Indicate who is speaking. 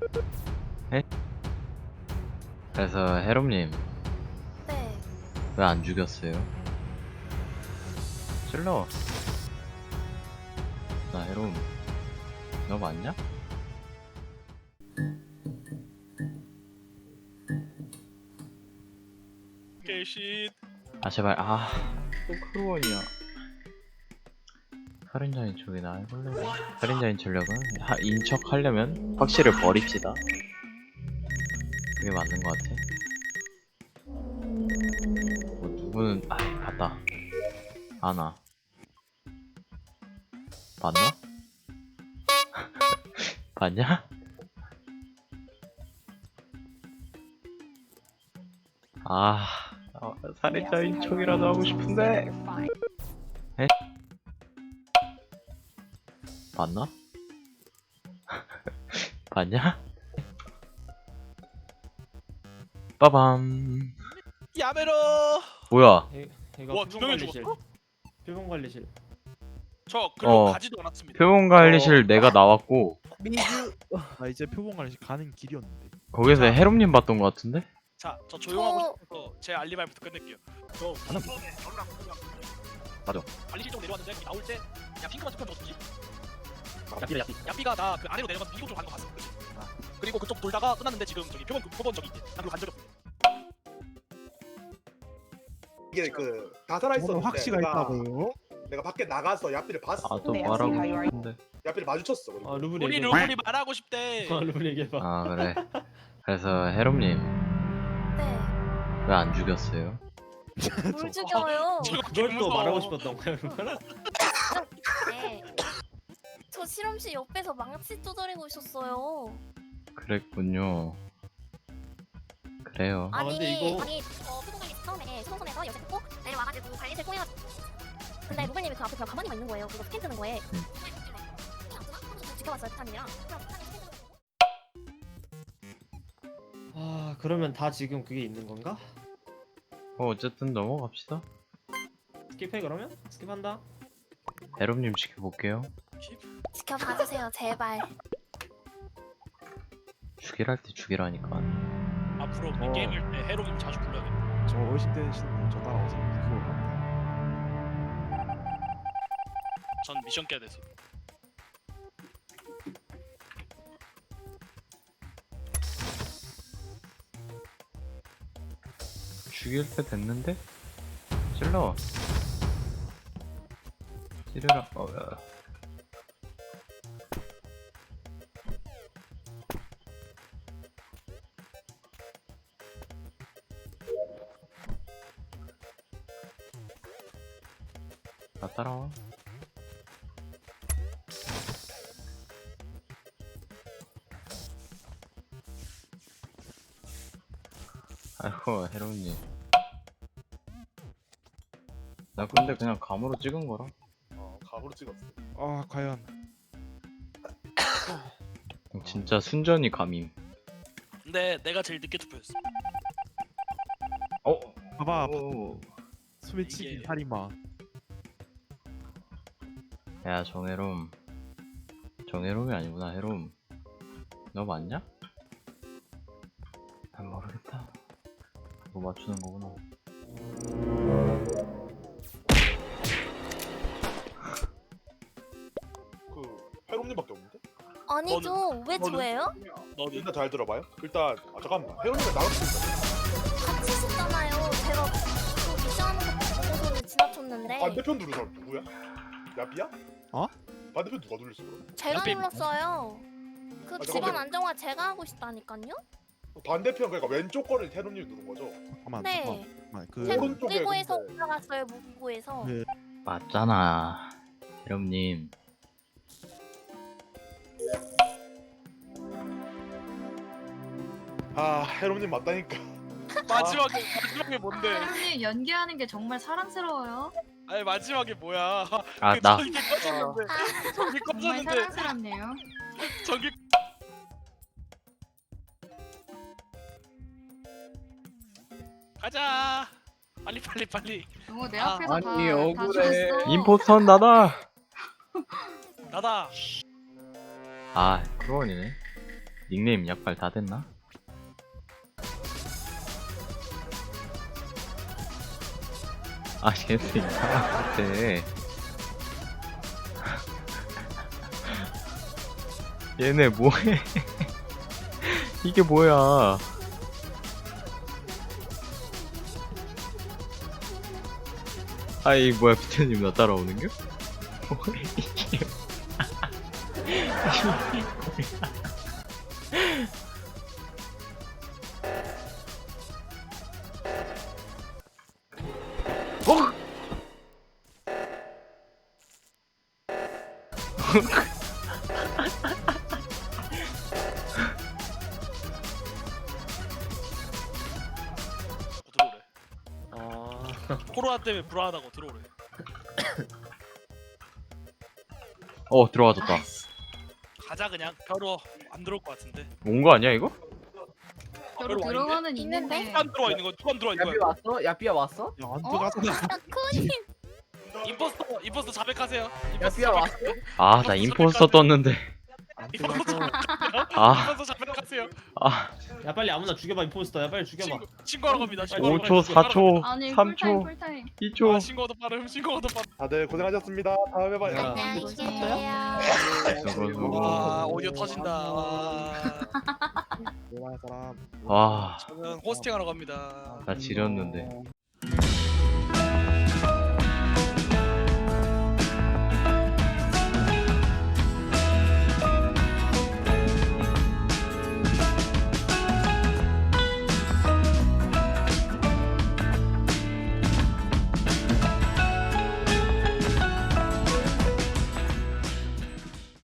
Speaker 1: 에? 그래서 해롬님
Speaker 2: 네.
Speaker 1: 왜 안 죽였어요? 찔러. 나 해롬 너 맞냐?
Speaker 3: 개쉿.
Speaker 1: 아 제발 또 크루원이야. 살인자인 척이나 해볼래? 살인자인 전략은 인척 하려면 확실히 버립시다. 그게 맞는 것 같아. 뭐 누구는 봤다. 아나 봤나? 봤냐? 살인자인 척이라도 하고 싶은데. 에? 봤나? 봤냐? 빠밤.
Speaker 3: 야메로.
Speaker 1: 뭐야?
Speaker 3: 와,
Speaker 4: 이거
Speaker 3: 두 명이
Speaker 4: 표본관리실.
Speaker 3: 죽었어?
Speaker 4: 표본관리실.
Speaker 3: 저 글로
Speaker 1: 어.
Speaker 3: 가지도 않았습니다.
Speaker 1: 표본관리실 내가 나왔고
Speaker 5: 미즈. 나 이제 표본관리실 가는 길이었는데.
Speaker 1: 거기서
Speaker 3: 자.
Speaker 1: 해롬님 봤던 것 같은데?
Speaker 3: 자, 저 조용하고 싶어서 제 알리바이부터 끝낼게요. 저
Speaker 1: 하나. 맞아.
Speaker 3: 관리실 쪽 내려왔는데 거기 나올 때 야 핑크만 투표 줬지. 야삐가 나 그 아래로 내려가서 미국 쪽 가는 거 봤어. 그치? 그리고 그쪽 돌다가 끝났는데 지금 저기 표본 저기 있대. 난 그거 간 적이 없어.
Speaker 6: 이게 그 다 살아있었는데
Speaker 5: 확시가 있다고요?
Speaker 6: 내가 밖에 나가서 야삐를 봤어.
Speaker 1: 또 말하고 싶은데.
Speaker 6: 야삐를 마주쳤어. 그리고.
Speaker 4: 아 루블
Speaker 3: 우리
Speaker 4: 얘기해봐.
Speaker 3: 루블이 말하고 싶대.
Speaker 4: 루블 얘기해봐.
Speaker 1: 그래. 그래서 해롬님
Speaker 2: 네.
Speaker 1: 왜 안 죽였어요?
Speaker 2: 뭘 죽여요?
Speaker 3: 지금
Speaker 4: 그걸 또
Speaker 3: 무서워.
Speaker 4: 말하고 싶었던 거야 루블?
Speaker 2: 네. 저 실험실 옆에서 망치 두드리고 있었어요.
Speaker 1: 그랬군요. 그래요.
Speaker 4: 아, 근데 이거-
Speaker 2: 표본관리 처음에 수동선에서 열쇠 뜯고 내려와가지고 관리실 꼬여가지고 근데 루블님이 그 앞에 그냥 가만히만 있는 거예요. 그거 스캔 뜨는 거에. 지켜봤어요, 타님이랑.
Speaker 4: 아 그러면 다 지금 그게 있는 건가?
Speaker 1: 어쨌든 넘어갑시다.
Speaker 4: 스킵해 그러면? 스킵한다.
Speaker 1: 해롬님 지켜볼게요.
Speaker 2: 지켜봐주세요, 제발.
Speaker 1: 죽이랄 때 죽이라니까.
Speaker 3: 앞으로 우리 게임을 때 해로님 자주 불러야겠다.
Speaker 5: 저 어르신 되시는 분저 따라와서 그걸 갑니다.
Speaker 3: 전 미션 깨야 돼서.
Speaker 1: 죽일 때 됐는데? 찔러. 찌르라. 야. 나 따라와. 아이고 해롱님. 나 근데 그냥 감으로 찍은 거라.
Speaker 6: 각으로 찍었어.
Speaker 5: 아 과연
Speaker 1: 진짜 순전히 감임.
Speaker 3: 근데 내가 제일 늦게 투표했어.
Speaker 5: 봐봐
Speaker 1: 오.
Speaker 5: 소매치기
Speaker 3: 이게-
Speaker 5: 살인마.
Speaker 1: 야 정해롬. 정해롬이 아니구나 해롬. 너 맞냐? 난 모르겠다. 뭐 맞추는 거구나.
Speaker 6: 그 해롬님밖에 없는데?
Speaker 2: 아니죠. 왜
Speaker 3: 너는-
Speaker 2: 저예요?
Speaker 3: 너는
Speaker 6: 일단 잘 들어봐요. 일단 잠깐만. 해롬님이 나갈 수 있어.
Speaker 2: 같이 있었잖아요. 제가 그 미션하는 거 보고서는 지나쳤는데
Speaker 6: 반대편 누른 사람 누구야? 야삐야?
Speaker 5: 어?
Speaker 6: 반대편 누가 눌렀어 그럼?
Speaker 2: 제가
Speaker 3: 옆에
Speaker 2: 눌렀어요. 그
Speaker 6: 잠깐만요.
Speaker 2: 집안 안정화 제가 하고 싶다니까요?
Speaker 6: 반대편 그러니까 왼쪽 거를 해롬님이 누른 거죠?
Speaker 5: 잠깐만
Speaker 2: 네.
Speaker 5: 잠깐만. 그
Speaker 2: 제가
Speaker 6: 오른쪽에
Speaker 2: 무기고에서
Speaker 6: 근데-
Speaker 2: 올라갔어요. 무기고에서.
Speaker 5: 네.
Speaker 1: 맞잖아 해롬님.
Speaker 6: 아 해롬님 맞다니까.
Speaker 3: 마지막에 뭔데?
Speaker 7: 사장님 연기하는 게 정말 사랑스러워요.
Speaker 3: 아니 마지막에 뭐야?
Speaker 1: 나
Speaker 3: 전기 꺼졌는데. 전기
Speaker 7: 정말
Speaker 3: 꺼졌는데.
Speaker 7: 사랑스럽네요.
Speaker 3: 전기. 가자. 빨리.
Speaker 7: 내
Speaker 3: 아,
Speaker 7: 앞에서 다
Speaker 1: 억울해.
Speaker 7: 죽었어.
Speaker 1: 임포스터는 나다.
Speaker 3: 나다.
Speaker 1: 크루원이네. 닉네임 약발 다 됐나? 아 얘네 이상한 것 같아. 얘네 뭐해? 이게 뭐야? 아이 뭐야 비트님 나 따라오는 게? 뭐야 이게?
Speaker 3: 들어오래.
Speaker 4: 아
Speaker 3: 코로나 때문에 불안하다고 들어오래.
Speaker 1: 들어와줬다.
Speaker 3: 가자 그냥. 벼로 안 들어올 것 같은데.
Speaker 1: 온 거 아니야 이거?
Speaker 7: 별로
Speaker 3: 별로
Speaker 7: 들어가는
Speaker 2: 있는데?
Speaker 7: 있는데.
Speaker 3: 누가 안 들어와 있는 거야? 누가 안 들어와 있는
Speaker 8: 야삐
Speaker 3: 거야?
Speaker 8: 왔어? 야삐야 왔어?
Speaker 5: 야안 들어가잖아.
Speaker 2: 코님
Speaker 3: 임포스터 자백하세요.
Speaker 8: 야삐야 왔어?
Speaker 1: 아 나 임포스터 떴는데.
Speaker 5: 안
Speaker 3: 임포스터
Speaker 5: 들어가서
Speaker 1: 아,
Speaker 3: 임포스터 자백하세요.
Speaker 1: 아
Speaker 4: 야 빨리 아무나 죽여봐 임포스터야 빨리 죽여봐.
Speaker 3: 신고하러 갑니다. 신고하러
Speaker 1: 5초,
Speaker 3: 갑니다.
Speaker 1: 4초,
Speaker 7: 아니
Speaker 1: 3초,
Speaker 7: 풀타임.
Speaker 1: 2초.
Speaker 3: 아, 신고도 빠름. 신고도 빠름.
Speaker 6: 다들 고생하셨습니다. 다음에 봐요.
Speaker 4: 야.
Speaker 2: 안녕히 계세요.
Speaker 1: 저거
Speaker 3: 와 오디오 터진다. 와.
Speaker 5: 대단한 사람.
Speaker 1: 와,
Speaker 3: 저는 호스팅하러 갑니다.
Speaker 1: 나 지렸는데.